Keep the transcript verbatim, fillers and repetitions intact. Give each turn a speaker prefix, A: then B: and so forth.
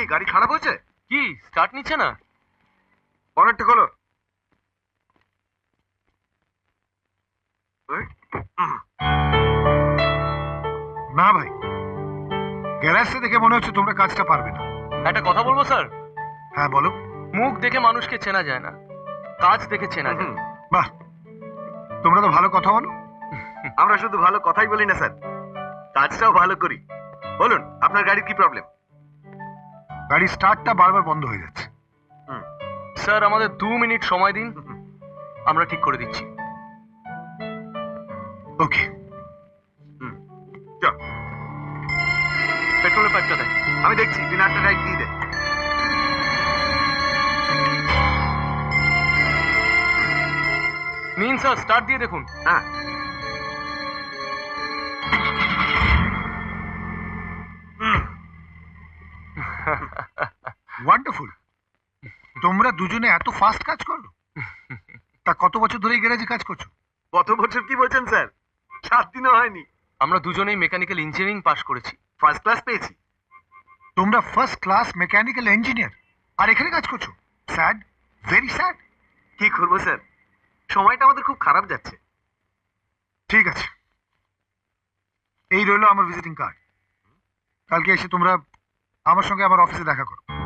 A: গাড়ি খারাপ হয়েছে?
B: কি স্টার্ট নিচ্ছে না?
A: বনেটটা খোলো।
C: না ভাই, গ্যারেজটা দেখে মনে হচ্ছে তোমরা কাজটা পারবে না।
B: একটা কথা বলবো স্যার?
C: হ্যাঁ বলো।
B: মুখ দেখে মানুষকে চেনা যায় না, কাজ দেখে চেনা যায়।
C: বাহ, তোমরা তো ভালো কথা বলো।
A: আমরা শুধু ভালো কথাই বলি না স্যার, কাজটাও ভালো করি। বলুন আপনার গাড়ির কি প্রবলেম?
C: গাড়ি স্টার্টটা বারবার বন্ধ হয়ে যাচ্ছে।
B: স্যার আমাদের দু মিনিট সময় দিন, আমরা ঠিক করে দিচ্ছি।
C: ওকে,
B: পেট্রোলের পাইপটা দেয়।
A: আমি দেখছি, তুই নাটটা রাইট দিয়ে দে।
B: নিন স্যার, স্টার্ট দিয়ে দেখুন।
A: হ্যাঁ,
C: ওয়ান্ডারফুল। তোমরা দুজনে এত ফাস্ট কাজ করো? তা কত বছর ধরে এই গ্যারেজে কাজ করছো?
A: কত বছর কি বলছেন স্যার? সাত দিনও হয়নি।
B: আমরা দুজনেই মেকানিক্যাল ইঞ্জিনিয়ারিং পাশ করেছি।
A: ফার্স্ট ক্লাস পেয়েছি।
C: তোমরা ফার্স্ট ক্লাস মেকানিক্যাল ইঞ্জিনিয়ার আর এখানে কাজ করছো? Sad, very sad.
A: কি করবো স্যার, সময়টা আমাদের খুব খারাপ যাচ্ছে।
C: ঠিক আছে, এই রইলো আমার ভিজিটিং কার্ড। কালকে এসে তোমরা আমার সঙ্গে আমার অফিসে দেখা করো।